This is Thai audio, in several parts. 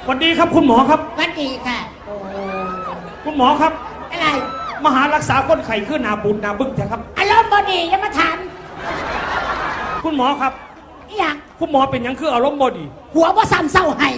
สวัสดีครับคุณหมอครับสวัสดีค่ะคุณหมอครับอะไรมาหารักษาคนไข้ขึ้นนาบุญนาบึ้งแท้ครับอารมณ์บดีอย่ามาถามคุณหมอครับอย่างคุณหมอเป็นยังคืออารมณ์บดีหัวว่าซ้ำเศร้าให้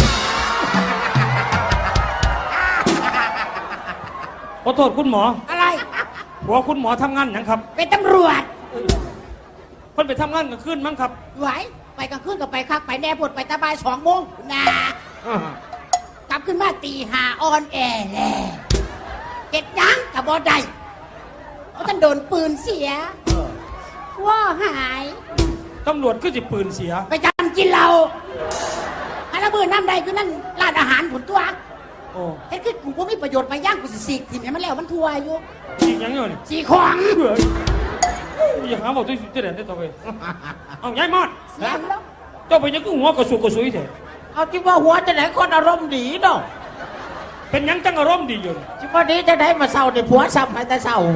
ขอโทษคุณหมออะไรหัวคุณหมอทำงานยังครับเป็นตำรวจเพิ่นไปทำงานกลางคืนมั้งครับไหวไปกลางคืนก็ไปคักไปแน่ปวดไปตาบาย2 โมงนะกลับขึ้นมาตี 5ออนแอร์แล้วเก็ดยังกับบอได้เพราะท่านโดนปืนเสียว่าหายตำรวจก็จะปืนเสียไปจำกินเราอันละมือน้ำใดคือนั่นร้านอาหารผลตัวเฮ็ดคือกูก็มีประโยชน์ไปย่างกูสิสีทีมมันแล้วมันทัวอยู่สียังอยู่นี่สีของอยากหาบอกตัวเด่นได้ต่อไปเอาย้ายมอดแล้วเจ้าไปยังก็หัวกระสุกกระสุยเถอะเอาที่ว่าหัวจะไหนคนอารมณ์ดีเนาะเป็นยังจังอารมณ์ดีอยู่ที่ว่านี้จะได้มาเศร้าในผัวซ้ำให้แต่เศร้า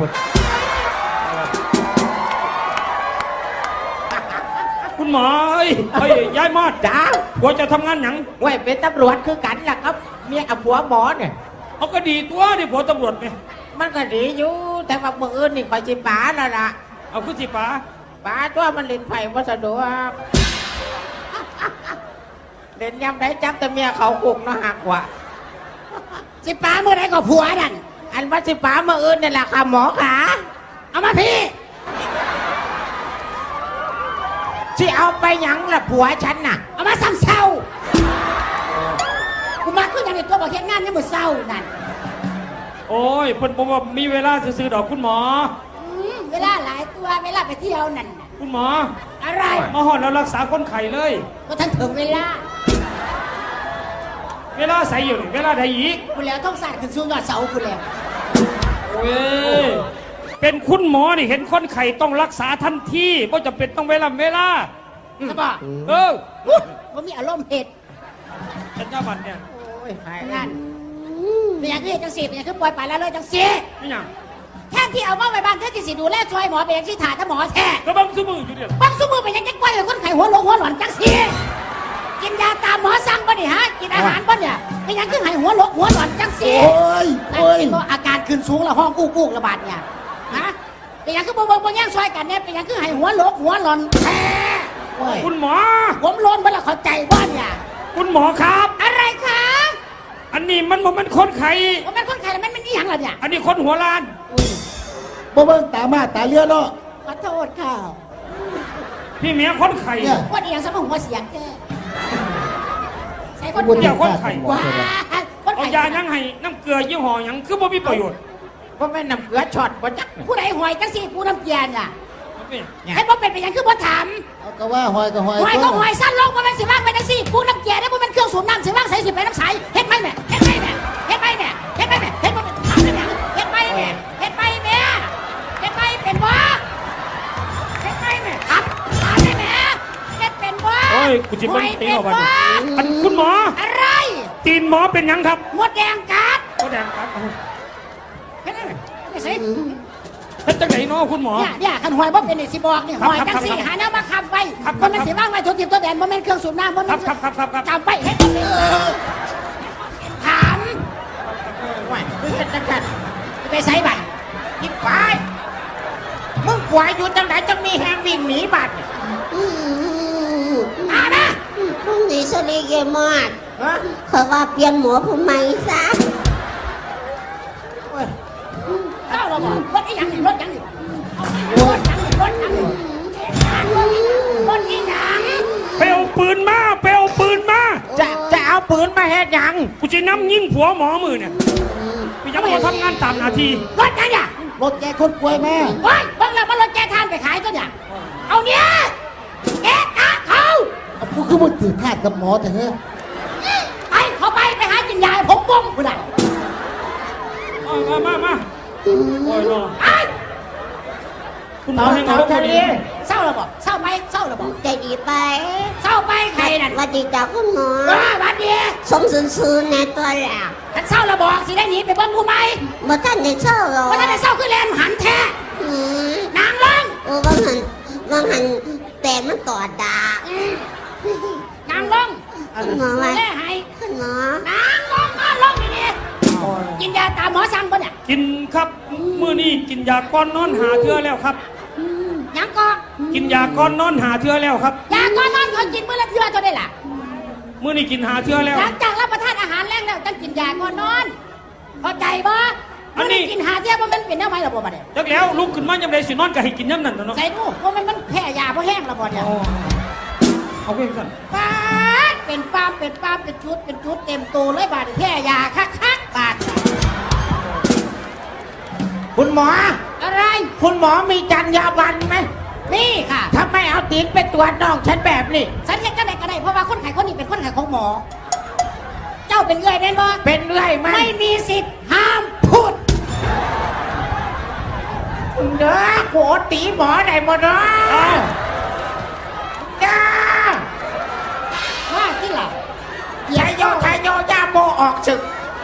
คุณหมอเฮ้ยย้ายมอดจ้าหัวจะทำงานยังเว้ยเป็นตำรวจคือกันล่ะครับเมียกับผัวหมอเนี่ยเขาก็ดีตัวนี่ผัวตำรวจไงมันก็ดีอยู่แต่ว่าเมื่ออื่นนี่คอยจิป๋าแล้วล่ะเอาขึ้นสิป๋าตัวมันเล่นไผ่วัสดุเล่นยำได้จับแต่เมียเขาคุกเนาะหักกว่าสิป๋าเมื่อไรก็ผัวนั่นอันว่าสิป๋าเมื่ออื่นนี่แหละค่ะหมอขาเอามาพี่ที่เอาไปหยังล่ะผัวฉันน่ะเอามาซ้ำเศร้ากูมาขึ้นอย่างในตัวบอกเฮ็ดงานยังมือเศร้านั่นโอ้ยเพิ่นบอกว่ามีเวลาซื้อดอกคุณหมอเวลาหลายตัวเวลาไปเที่ยวนั่นคุณหมออะไรมาหอดแล้วรักษาคนไข้เลยก็ท่านถึงเวลาใส่อยู่นี่เวลาใดอีกกูแล้วต้องสาดขึ้นสูงยอดเสากูแล้วโอ้ยเป็นคุณหมอนี่เห็นคนไข้ต้องรักษาทันทีเพราะจำเป็นต้องเวลาใช่ป่ะว่ามีอารมณ์เผ็ดเป็นเจ้าบัตรเนี่ยโอ้ยนั่นเป็นอย่างที่จังสีเป็นอย่างที่ปล่อยไปแล้วเลยจังสีไม่ยังแค่ที่เอามาไว้บ้านเธอที่สิดูแลช่วยหมอเป็นอย่างที่ถ่ายถ้าหมอแท้ก็บังซุมืออยู่เนี่ยบังซุมือเป็นอย่างที่ปล่อยคนไข้หัวหลอนจังสีกินยาตามหมอสั่งป่ะนี่ฮะกินอาหารป่ะเนี่ยเป็นอย่างที่ไข้หัวหลอนจังสีอาการขึ้นสูงแล้วห้องกู้ระบาดเนี่ยฮะเป็นอย่างที่บ่แย่งช่วยกันเนี่ยเป็นอย่างที่ไข้หัวหลอนแท้คุณหมอผมร้อนเมื่อเราเข้าใจว่าเนี่ยคุณหมอครับอะไรคะอันนี้มันคนไข้มันเป็นคนไข้แล้วมันนี่ยังล่ะเนี่ยอันนี้คนหัวล้านบ่เบิ่งตามาตาเลี้ยเนาะขอโทษค่ะพี่เมียคนไข้ว่าอีหยังสมองหัวเสียงแค่ใส่คนเดียวคนไข้ว้าเอายายังให้น้ำเกลือยี่ห้อยังคือบ่มีประโยชน์ว่าแม่น้ำเกลือช็อตบ่จักผู้ใดหอยจังสิผู้น้ำเกลือน่ะให้บ่เป็นไปยังคือบ่ถามก็ว่าหอยก็หอยสั้นลงบ่แม่นสิว่างไปจังสิผู้น้ำเกลือได้บ่แม่นเครื่องสูบน้ำสิว่างใส่สิไปน้ำใสเฮ็ดไหมแม่เฮ็ดบ่ถามได้แม่เฮ็ดไหมแม่เฮ็ดเป็นบ่เฮ็ดไหมแม่ถามได้แม่เฮ็ดเป็นบ่โอ้ยกูจิมันตีออกมาอันคุณหมออะไรตีนหมอเป็นยังครับมดแดงกัดเฮ็ดอะไรไม่ใช่เฮ็ดจังไหนเนาะคุณหมอเนี่ยขันหอยบ่เป็นนี่สิบอกนี่หอยจังสิหาแนวมาคำไว้บ่แม่นสิว่างไว้ทุกทิพย์ตัวแดนบ่แม่นเครื่องสูบน้ำบ่แม่นจำไว้เฮ็ดถามว่าคือเป็นจังกันไปใส่บัตรกินไปมึงกวายอยู่จังไหนจังมีแหงวิ่งหนีบัตรนะพรุ่งนี้สลีเกมอดเขาว่าเปลี่ยนหมอผู้ใหม่ซะเจ้าเราบอกรถอีหยังรถอีหยังไปเอาปืนมาจะเอาปืนมาเฮ็ดหยังกูจะน้ำยิงผัวหมอมือเนี่ยกูยังไม่ทำงานตามนาทีรถยังเนี่ยรถแกคนป่วยแม่เฮ้ยบางแล้วมันรถแกทานไปขายก็เนี่ยเอาเนี่ยแกตาเขากูคือมันถือทาสกับหมอแต่เฮ้ยไปเข้าไปหากินยาผมบ้งกูได้มาโอ้ยน้องคุณหมอให้เราทะเลเศร้าระบอกเศร้าไหมเศร้าระบอกใจดีไปเศร้าไปใครนั่นวัดดีจากคุณหมอวัดดีสมซื่อในตัวแล้วท่านเศร้าระบอกสิได้หนีไปบ้านกูไหมบ่ท่านได้เศร้าหรอบ่ท่านได้เศร้าคือแลนหันแท้นางลงบางหันแต่มันต่อดานางลงคุณหมอว่าแม่ให้คุณหมหมอนางลงมาลงนี่กินยาตามหมอสั่งปะเนี่ยกินครับมื้อนี้กินยาก้อนนอนหาเทื่อแล้วครับยังก็กินยาก้อนนอนหาเทื่อแล้วครับยาก่อนนอนเขากินมื้อละเทื่อเท่าได้ล่ะมื้อนี้กินหาเทื่อแล้วหลังจากรับประทานอาหารแรงแล้วต้องกินยาก่อนนอนเข้าใจบ่อันนี้กินหาเที่ยบ่มันเป็นแนวไหนล่ะบ่บัดเนี่ยจักแล้วลุกขึ้นมายามใดสินอนก็ให้กินยามนั้นน่ะเนาะใส่ดูว่ามันแพ้ยาเพราะแห้งและบ่เนี่ยเอาไปสั่นปาดเป็นปามเป็นชุดเต็มตัวเลยบาดแพ้ยาคักบาดคุณหมออะไรคุณหมอมีจรรยาบรรณไหมนี่ค่ะทำไมเอาตีนไปตรวจน้องฉันแบบนี้ฉันเห็นก็ได้เพราะว่าคนไข้คนนี้เป็นคนไข้ของหมอ เจ้าเป็นเอื้อยแม่นบ่เป็นเรื่อยไหมไม่มีสิทธิ์ห้ามพูดเด้อโหตีหมอได้หมดเนาะจ้าว่าที่ล่ะชายโยย่าโมออกศึก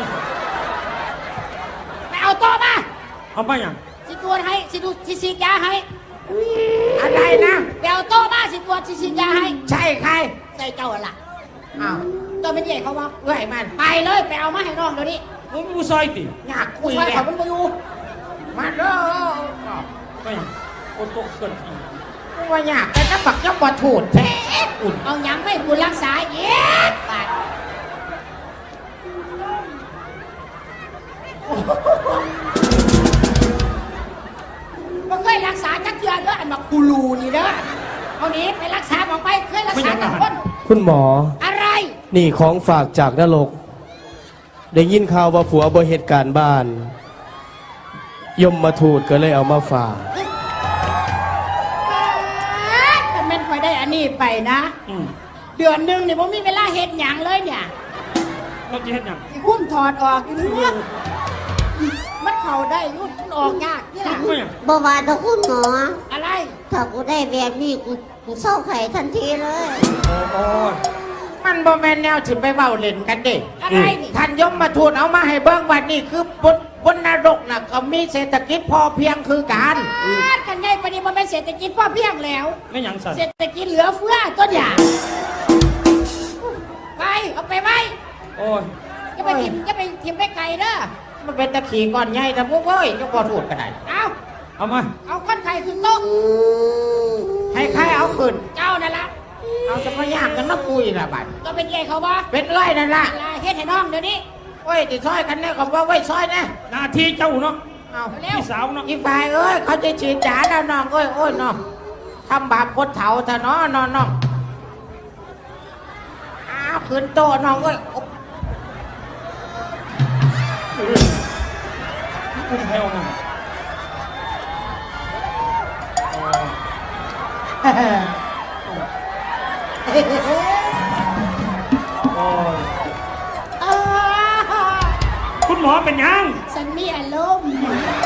ไปเอาโต๊ะมาเอาไปหยังสิตรวจให้สิดูสิฉีดยาให้อะไรนะไปเอาโต๊ะมาสิตรวจสิฉีดยาให้ใช่ใครใส่เจ้าล่ะอ้าวเจ้าเป็นใหญ่เขาว่าเรื่อยมันไปเลยไปเอามาให้น้องเดี๋ยวนี้มึงผู้ซอยติอยากคุผู้ยชายเนี่เขายมันบ่อยู่มาเด้อไปหยังโอโตเกินอีกว่าอยากแต่ถ้าบักยังบ่ถูดแท้อุ่นเอาหยังไม่บุญรักษาเย็ดบาดบ่เคยรักษาจักเทื่อเด้ออันบักกูรูนี่เด้อเอานี้ไปรักษาบอกไปเคยรักษาจักคนคุณหมออะไรนี่ของฝากจากนรก ได้ยินข่าวว่าผัวบ่เหตุการณ์บ้าน ยมมาทูดก็เลยเอามาฝากถ้าแม่นคอยได้อันนี้ไปนะ เดือนหนึงเนี่ยผมมีเวลาเฮ็ดหยังเลยเนี่ยเราจะเฮ็ดหยังสิหุ้มถอดออกอยู่นี่ว่ามันเข้าได้อยุ่มันออกยากนี่ล่ะไปหยังบ่ว่าแต่คุณหมออะไรถ้ากูได้แบบนี้กูเศร้าไข่ทันทีเลยโอ้ยมันบ่แม่นแนวถึงไปเว้าเล่นกันเด้อะไรนี่ท่านยมมาทูลเอามาให้เบิ่งวันนี้คือบนนรกน่ะก็มีเศรษฐกิจพอเพียงคือกันกันไงปฏิบัติเป็นเศรษฐกิจพ่อเพียงแล้วไม่หยังสั่นเศรษฐกิจเหลือเฟือต้นอย่างไปเอาไปไว้โอ้ยจะไปทิมไปไกลเด้อมันเป็นตะขี่ก่อนใหญ่แต่พวกเอ้ยก็พอถูดกันได้เอาเอามาเอาคนไข้ขึ้นโต๊ะให้ใครเอาขึ้นเจ้านั่นละเอาจะมาย่างกันมาปุยละบัดก็เป็นใหญ่เขาบ่เป็นเอ้ยนั่นล่ะอะไรเฮ็ดให้น้องเดี๋ยวนี้โอ้ยติดซอยกันเนี่ยก็ว่าไว้ซอยนะหน้าที่เจ้าเนาะเอาเร็วพี่สาวเนาะอีฝ่ายเอ้ยเขาจะฉีดยาแล้วน้องเอ้ยโอ้ยน้องทำบาปพดเถาเถอะเนาะน้องอ้าวขึ้นโตะน้องเอ้ยอุ้มให้เอามาโอ้ยอ่าคุณหมอเป็นหยังฉันมีอารมณ์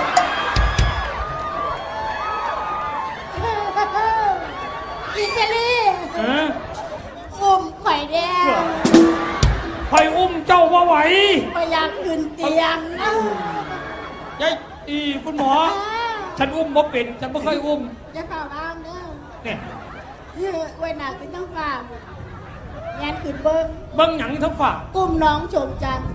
อิสลีเอออุ้มข่อยแดงคอยอุ้มเจ้าว่าไหวไม่อยากขึ้นเตียงนะยายอีคุณหมอ ฉันอุ้มบ่เป็นฉันไม่เคยอุ้มจะเฝ้าร่างเด้อเนี่ยไว้หนักเป็นต้องฝากงานขึ้นเบิ้งเบิ้งหยังทั้งฝ่ากุ้มน้องชมจันทร์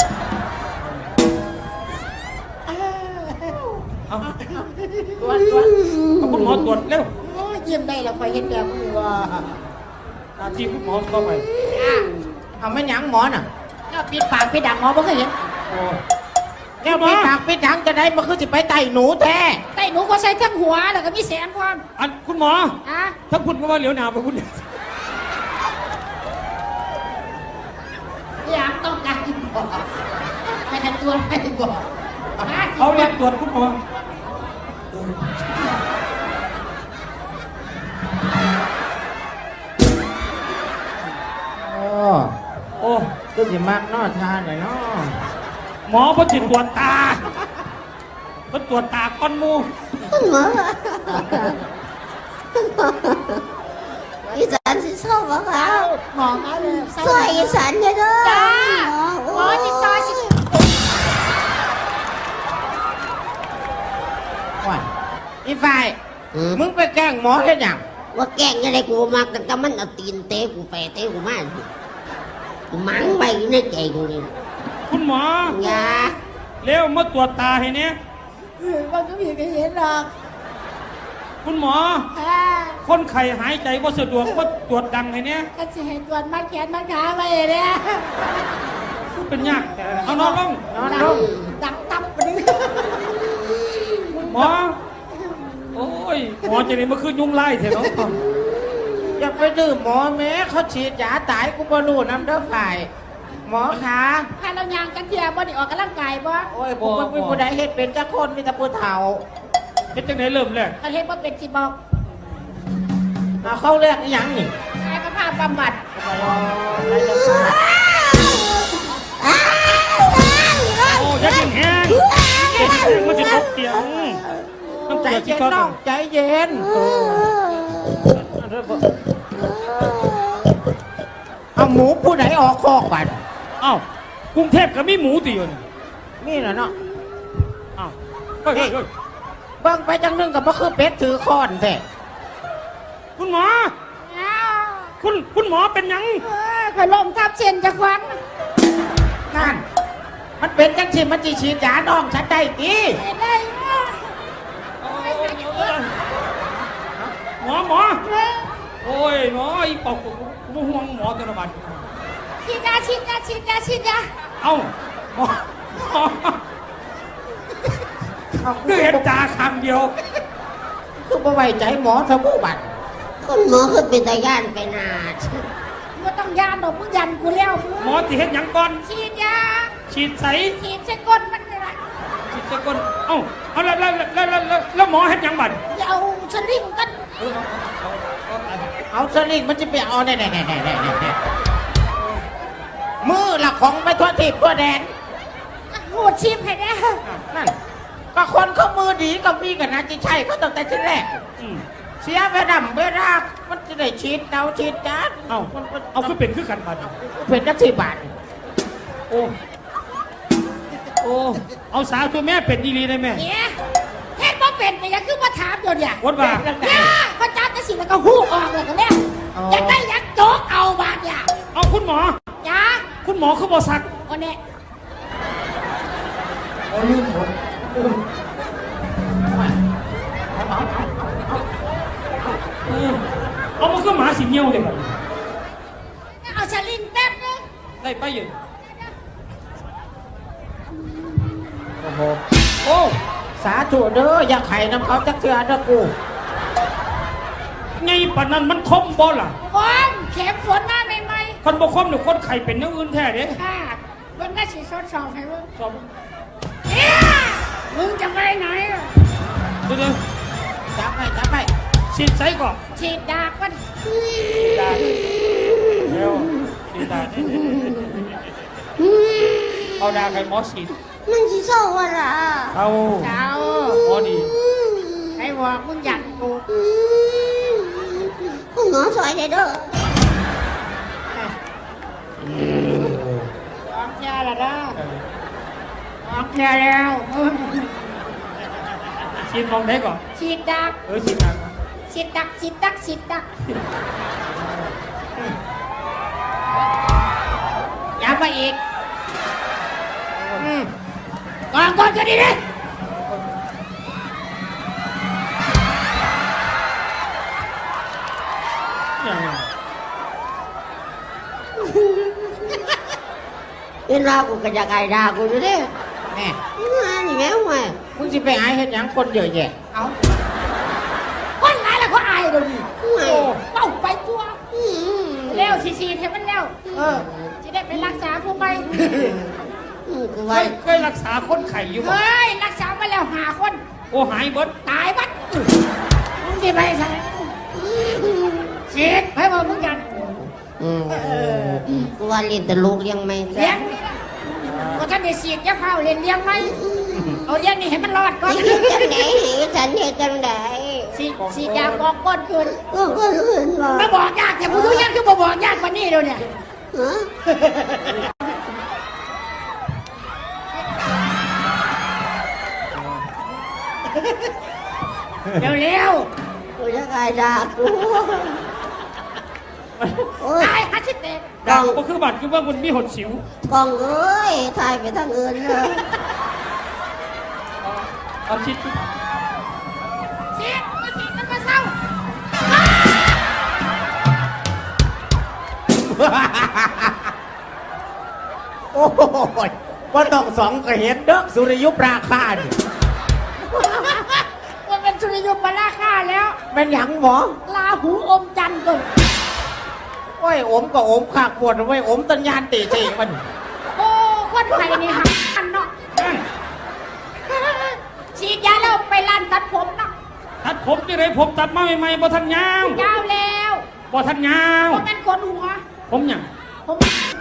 เอาตรวจเอาคุณหมอตรวจเร็วโอ้ยยิ้มได้แล้วคอยเห็นแบบนี้ว่าหน้าที่คุณหมอเข้าไปอ่ะเอาไม่หยังหมอน่ะแล้วปิดปากปิดดังหมอบ่เคยเห็นโอ้ยแล้วปิดปากปิดถังจะได้มันคือสิไปไต่หนูแท้ใต้หนูก็ใส่ทั้งหัวแล้วก็มีแสงความอันคุณหมออ่ะถ้าคุณก็ว่าเหลียวหนาไปคุณอยากต้องการบอกไม่ทันตัวไม่บอกเอาเรียกตรวจคุณหมอโอ้โอ้ก็สิมากนอทานหน่อยเนาะหมอพอจิตตรวจตาพอตรวจตาก้อนหมูคุณหมออีสานสิเศร้าบ่คะหมอมาเลยซอยอีสานเด้อเด้อจ้าหหมมออจิตซอยสิว่าอีฝ่ายมึงไปแกล้งหมอแค่ยังว่าแกล้งยังไงกูบ่มักแต่มันเอาตีนเตะกูไปเตะกูมามังไปในใจกูนี่คุณหมออย่าเร็วมาตรวจตาให้เนี่ยมันก็มีใครเห็นหรอกคุณหมอค่ะคนไข้หายใจว่าสะดวกว่าตรวจดังให้เนี่ยก็จะให้ตรวจมัดแขนมัดขาไปเนี่ยเป็นยากเอานอนลงดังตับไปเลยหมอ โอ้ย หมอจะได้มาขึ้นยุ่งไล่เถอะเนาะอย่าไปดื้อหมอแม้เขาฉีดยาตายกูบ่รู้น้ำเด้อฝ่าย หมอขาถ้าเรายางกันเทียบ่ได้ออกกำลังกายบ่โอ้ยผมเป็นผู้ใดเฮ็ดเป็นจักคนมีแต่ผู้เฒ่าเป็นจังไหนเริ่มแรกถ้าเห็นว่าเป็นสิบอกเอาเข้าเรียกอีหยังนี่กายภาพบำบัดโอ้ยากินแห้งยากินแห้งมันจะตกเตียงต้องใจตรวจที่เย็นก้อนน้องใจเย็นเอาหมูผู้ใดออกคอกบัดเอ้าวกรุงเทพก็มีหมูตีอยู่นี่นี่แหละเนาะอ้าวเฮ้ยเฮ้ยเฮ้ยเบิ่งไปจังนึงกับบ่คือเป็ดถือค้อนแท้คุณหมอ คุณหมอเป็นหยังขอลมทับเส้นจะควันนั่นมันเป็นจังสิมันสิฉีดยาน้องฉันได้ติได้หมอ โอ้ยหมออีปอกกูห่วงหมอตัวละบาทฉีดยาฉีดยาฉีดยาฉีดยาเอ้าหมอคือเห็นตาคำเดียวคือบ่ไว้ใจหมอทบูบัดคนหมอคือเป็นตาย่านไปนาดไม่ต้องยานดอกมึงยันกูแล้วหมอที่เห็นหยังก่อนฉีดยาฉีดใสฉีดเส้นก้นมันเลยฉีดตะกอนเอ้าเอาแล้วหมอเห็นหยังบัดอย่าเอาสลิงกันเอาสลิงมันจะไปเอาแน่มือละของไปทั่วทิพย์ทั่วแดนหูดชิมให้ได้นั่นก็คนเขามือดีก็มีกันนะที่ใช่เขาตั้งแต่ทีแรกอืมเสียเวลามันจะได้ฉีดเอาฉีดจานเอ้าเอาคือเป็นคือกันบัดเป็นจักสิบบาทโอ้เอาสาวตัวแม่เป็นดีๆได้ไหมเนี่ยเฮ็ดบ่เป็นไปยังคือมาถามเดี๋ยวเนี่ยวัดว่าเนี่ยพระเจ้าจะสิแล้วก็หูออกเลยก็แล้วอยากได้อยากโจกเอาบาดเนี่ยเอาคุณหมอจ้าคุณหมอเขาบอกสักโอ้เนี่ยเอามาคือหมาสีเงี้ยวเลยบัดเอาสลิงแป๊บนึงได้ไปอยู่โอ้สาธุเด้ออย่าไข่น้ำเขาจักเถื่อเด้อกูไงปานนั้นมันคมบ่ล่ะบอมเข็มฝนมาใหม่คนบ่คมเนี่ยคนไข่เป็นอย่างอื่นแท้เด้ๆค่ะมันก็สิสดสอบให้มึงสอบเนี่ยมึงจะไปไหนอะเดี๋ยวจับไปฉีดใส่ก่อนฉีดดากมันดาเร็วฉีดดาเอาดาใครหมอฉีดมันสิโซ่ว่าล่ะเอาเจ้าหมอดีให้บอกมึงอยากกูคุณหมอสวยเลยเด้อออกยาละนะออกยาแล้วฉีดมองได้ก่อนฉีดดักฉีดดาฉีดดักฉีดดักฉีดดักอย่าไปอีกก่อนก็ดีเลยอย่างไรเวลากูก็จะไก่ด่ากูอยู่เด้แน่นี่แม่ห่วยมึงสิไปหาเห็นหยังคนเยอะแยะเอาคนไหนล่ะเขาอายเดี๋ยวนี้ห่วยเป้าไปตัวอืมเร็วฉีดให้มันเร็วจะได้ไปรักษาผู้ใหม่กูเคว่าเคยรักษาคนไข่อยู่บ่เฮ้ยรักษามาแล้ว5 คนโอ้หายเบิดตายบัดมึงจะไปใส่ฉีดให้บอกมึงกันกูว่าเรียนแต่ลูกเลี้ยงไม่เลี้ยงนี่นะก็ท่านได้ฉีดจะเฝ้าเรียนเลี้ยงไหมเอาเลี้ยงนี่ให้มันรอดก่อนเฮ็ดจังไดให้ฉันเฮ็ดจังไดฉีดยาบอกก้อนคืนก็ลื่นว่ามาบอกยากแต่ผู้ทุกอย่างคือบอกยากกว่านี้เดี๋ยวเนี่ยฮะเร็วกูจะไก่ด่ากูโอ้ๆยตายฮัชิเตะจากก็คือบัตรคือว่ามันมีหดสิวกล้องเอ้ยถ่ายไปทางอื่นเลยเอาชิดสิสิมันมาเศร้าโอ้ยว่าต้องสองก็เห็นเด้อสุริยุปราคานี่มันเป็นสุริยุปราคาแล้วเป็นหยังหมอลาหูอมจันทร์ก่อนโอ้ยอมก็อมขากปวดไว้ยอมตัญญาณตีตีมันโอ้คนไทยนี่หักกันเนาะฉีดยาแล้วไปร้านตัดผมเนาะตัดผมที่ไรผมตัดมาใหม่ๆบ่ทันยาวยาวแล้วบ่ทันยาวผมเป็นคนหัวผมหยังผม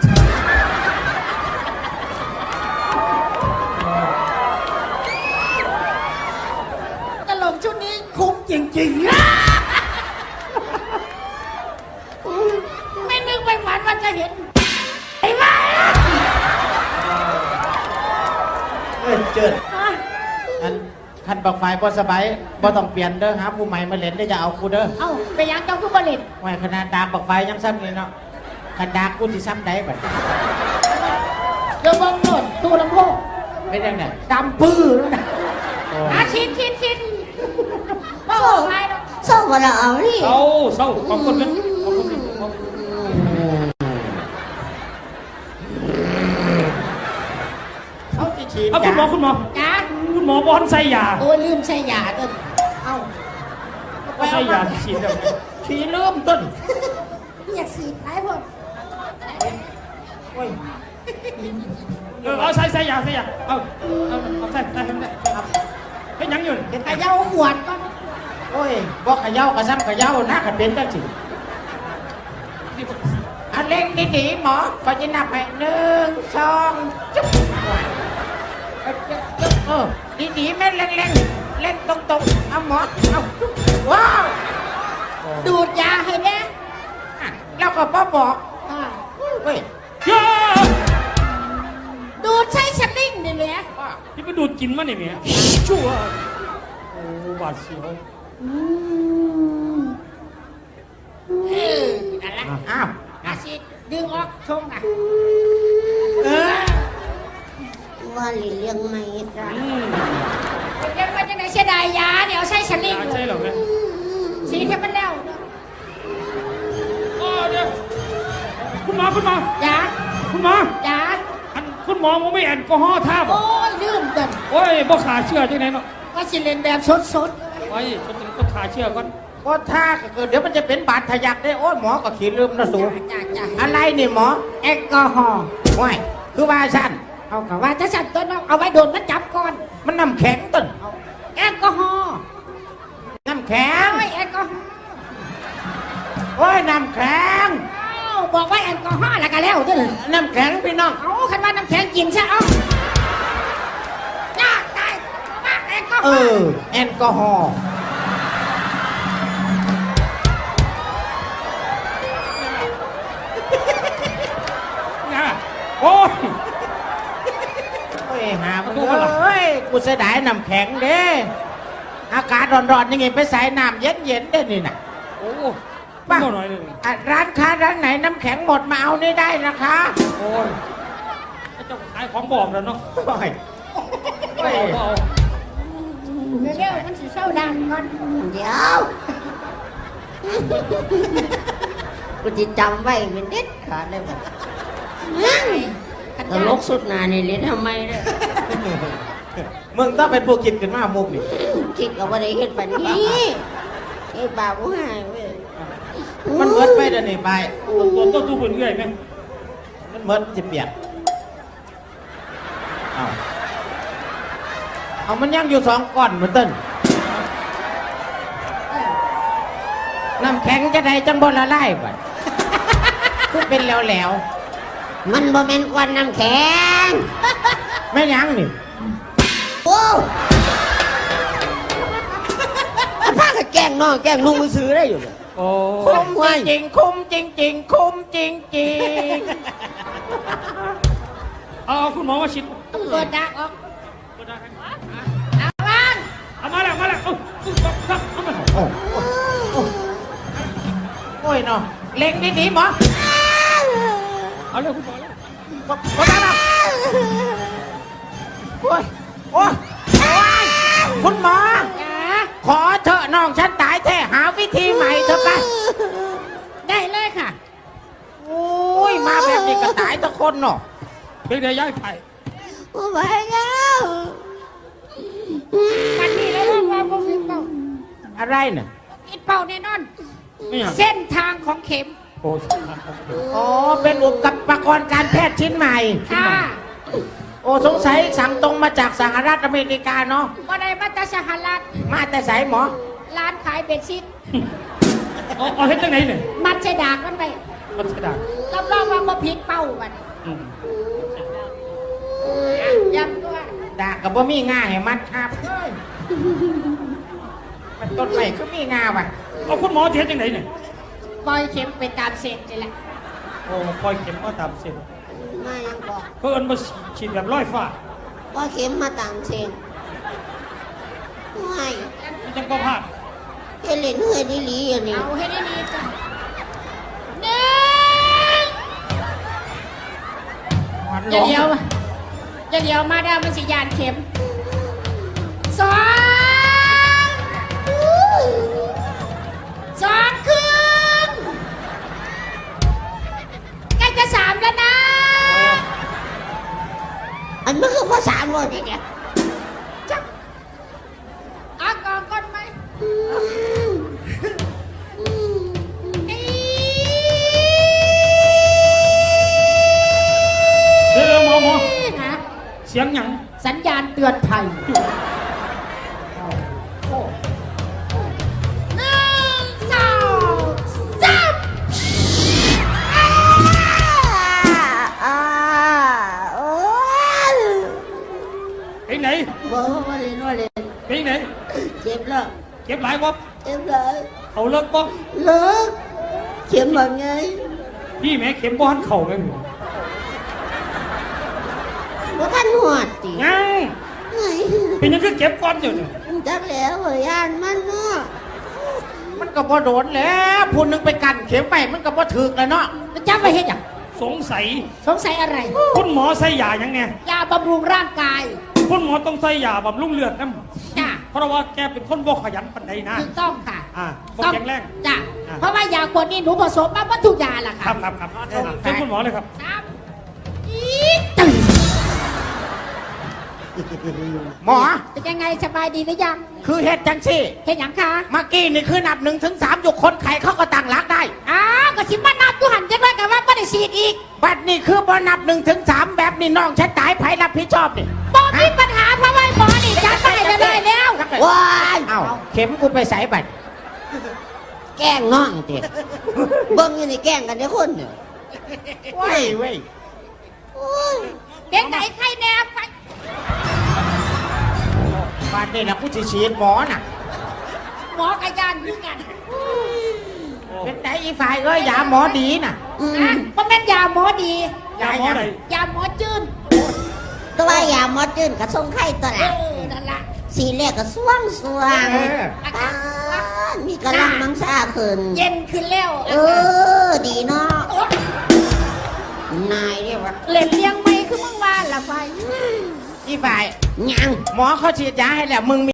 ตลกชุดนี้คุ้มจริงๆ ไม่นึกไม่ฝันว่าจะเห็นไอ้บ้าเอ้ยเจิดอันคันบักไฟบ่สบายบ่ต้องเปลี่ยนเด้อหาผู้ใหม่มาเล่นได้ออย่าเอากูเด้อเอ้าไปยังเจ้าทุบลิตไว้ขนาดดาบบักไฟยังซ้ำเลยเนาะคันดาบกูสิซ้ำได้บัดเดี๋ยวบังโน่นตู้ลำโพงเป็นยังไงดำปื้อแล้วนะโอ้ชินบ้าไปเนาะเศร้าว่าเราเอานี่เศร้าขอบคุณนะขอบคุณนะขอบคุณเขาจะฉีดเอาคุณหมอคุณหมอจ้าคุณหมอบอลใส่ยาโอ้ยลืมใช้ยาต้นเอ้าก็ใส่ยาฉีดแล้วฉีดเริ่มต้นอยากสีดหลายคนโอ้ยเอาใส่ยาเอาใส่ครับเป็นยังอยู่ขย่าขวดก่อนโอ้ยบ่เขย่าก็ซ้ำเขย่านะกันเป็นจังสิอันเล่งดีๆหมอก็จะนับให้1 2จุ๊บดีๆแม่นเล่งเล่งตรงๆเอาหมอเอาว้าวดูดยาให้แน่แล้วก็บอกอ่าเฮ้ยย่าดูดใช้สลิงนี่แหละที่ไปดูดกินมาเนี่ยเมียชั่วโอ้บาดเสียวนั่นแหละอ้าวอาชีดดึงออกชงอ่ะว่าหลีเลี้ยงไม่จ้ะเดี๋ยวมันจะไหนเสียดายยาเดี๋ยวใช้สลิงใช่หรอแม่สีให้มันแล้วเดี๋ยวคุณหมอยาคุณหมอยาคุณหมอมันไม่แอลกอฮอล์ท่าบโอ้ยลืมกันโอ้ยบ่ขาเชื่อจังไหนเนาะว่าสิเลนแบบสดไว้ฉันก็ขาเชื่อก่อนก็ถ้าก็เกิดเดี๋ยวมันจะเป็นบาดทะยักได้โอ้ยหมอก็ขีดลืมนะสูๆจ้าอะไรนี่หมอแอลกอฮอล์ว้ายคือว่าสั้นเอากะว่าจะสั่นต้นเอาไว้โดนมันจับก่อนมันน้ำแข็งต้นแอลกอฮอล์น้ำแข็งโอ้ยแอลกอฮอล์โอ้ยน้ำแข็งบอกว่าแอลกอฮอล์แล้วก็แล้วเด้อน้ำแข็งพี่น้องเอาคันว่าน้ำแข็งกินซะเอายากตายมากแอลกอฮเออล์อแอลกอฮอล์เนี่ยโอ้ยโอ้ยหามันเอ้ยกูเสียดายน้ำแข็งเด้อากาศร้อนๆยังไงไปใส่น้ำเย็นๆได้นี่นะโอ้ป่ะเท่าหน่อยเลยร้านค้าร้านไหนน้ำแข็งหมดมาเอานี่ได้นะคะโอ้ยเจ้าขายของบอกแล้วเนาะโอ้ยเอาเร็วๆมันสิเศร้าดังก่อนเดี๋ยวกูจะจำไว้เป็นเด็ดขาดเลยบ่ตลกสุดหนานี่เล่นทำไมเนี่ยมึงต้องเป็นผู้คิดขึ้นมามุกนี่คิดกับว่าได้เห็นปันนี้ไอ้บ่าวผู้หายเว้ยมันเมิดไปเดี๋ยวนี้ไปตัวตู้เป็นเรื่อยไหมมันเมิดจะเปียกเอามันยังอยู่2ก้อนเหมือนต้นน้ำแข็งจะได้จังบนละลายบัดคือเป็นแล้วมันบ่แม่นควันน้ำแข็งๆไม่ยังนี่โอ้มันพากับแกล้งน้องแกล้งลุงมือซื้อได้อยู่เลยโอ้คุ้มจริงๆคุ้มจริงๆคุ้มจริงเอาคุณหมอมาชิดต้องเปิดดักออกเอาวางเอามาแล้วเอาๆโอ้ยเนาะเล็งดีๆหมอเอาเลยคุณหมอเลยบ่ได้หรอกโอ้ยโอ้ยโอ้ยคุณหมอจ้าขอเถอะน้องฉันตายแท้หาวิธีใหม่เถอะไปได้เลยค่ะโอ้ยมาแบบนี้ก็ตายทุกคนเนาะเป็นไงย้ายไปบ่ไหวแล้วมันนี่แล้วว่าบ่ผิดเป้าอะไรเนี่ยผิดเป้าแน่นอนไม่อยากเส้นทางของเข็มโอ้อ๋อเป็นอุปกรณ์การแพทย์ชิ้นใหม่ค่ะโอ้สงสัยสั่งตรงมาจากสหรัฐอเมริกาเนาะบ่ได้มาแต่สหรัฐมาแต่สายหมอร้านขายเบ็ดซิตเอาเฮ็ดจังไหนเนี่ยมัดใส่ดากมันไปมันกระดาษรับรองว่าบ่ผิดเป้ามันอืมย้ำด้วยดากับบ่มีงาให้มัดครับเอ้ยมันต้นใหม่ก็มีงาว่ะเอาคุณหมอเฮ็ดจังไหนเนี่ยปล่อยเข็มไปตามเส้นนี่แหละโอ้ปล่อยเข็มก็ตามเส้นมายังบอกก็เอิ้นมาฉีดแบบร้อยฟ้าว่าเข็มมาต่างเชนไม่มันจังก็พลาดเฮเลนเฮยดีหลีอย่างนี้เอาให้ได้ดีจ้ะหนึ่งมันอย่าเดียวอย่าเดียวมาได้มันสิยานเข็มสองสองครึ่งใกล้จะสามแล้วนะอันมันคือภาษาโง่เนี่ยเอาก่อนก่อนไหมนี่เดี๋ยวหมอนะเสียงหยังสัญญาณเตือนภัยหนึ่งสองสามโอ้ยไปไหนบอกว่าเล่นว่าเล่นไปไหนเจ็บแล้วเก็บหลายบ่เจ็บเลยเอาเลิกบ่เลิกเข็มแบบไงพี่แม่เข็มบ่หันเข่าแม่หนูว่าท่านหวดจียังไงเป็นยังคือเก็บก่อนเดี๋ยวนี้จักแล้วเหรอยานมันเนาะมันก็บ่โดนแล้วพูนนึงไปกันเข็มไปมันก็บ่ถึกแล้วเนาะแล้วจำไว้เห็นอย่างสงสัยสงสัยอะไรคุณหมอใส่ยายังไงยาบำรุงร่างกายคุณหมอต้องใส่ยาบำรุงเลือดนะจ้ะเพราะว่าแกเป็นคนบ่ขยันปานใดนะถูกต้องค่ะบ่แข็งแรงจ้ะอ่าเพราะว่ายาขวดนี้หนูผสมมาวัตถุยาล่ะคค่ะรับเชิญคุณหมอเลยครับครับอีดตื่นหมอเป็นยังไงสบายดีหรือยังคือเฮ็ดจังซี่เห็นอย่างคะเมื่อกี้นี่คือนับ1 ถึง 3อยู่คนไข้เขาก็ตั้งหลักได้อ้าวก็ชิมมานับดูหันจะด้วยกันว่าไม่ได้ฉีดอีกบัดนี้คือบ่นับ1 ถึง 3แบบนี้น้องฉันตายไผรับผิดชอบนี่บอกมีปัญหาเพราะว่าหมอนี่จัดไปเลยแล้วว้ายเอ้าเข็มกูไปใส่บัดแกล้งน้องเด็เบิ่งอยู่นี่แกล้งกันเนี่ยคนเนี่ยเว้ยเว้ยโอ้ยเด็กไหนใครแนบไปบัดนี้นะกูสิฉีดหมอน่ะหมอกระยานยืกันเป็นไดอีฝ่ายเอ้ยยาหมอดีน่ะนะเพราะแม่นยาหมอดียาหมอไหนยาหมอจืนตัวว่ายาหมอจืนกับทรงไข่ตัวเอละอนั่นละสีแรกก็สว่างสว่างเอออาการมีกำลังมังซาขึ้นเย็นขึ้นแล้วเออ ดีเนาะนายเรียกว่าเล่นเลี้ยงไม่คือมึงว่าละไฟอีฝ่ายยังหมอเขาฉีดยาให้แล้วมึง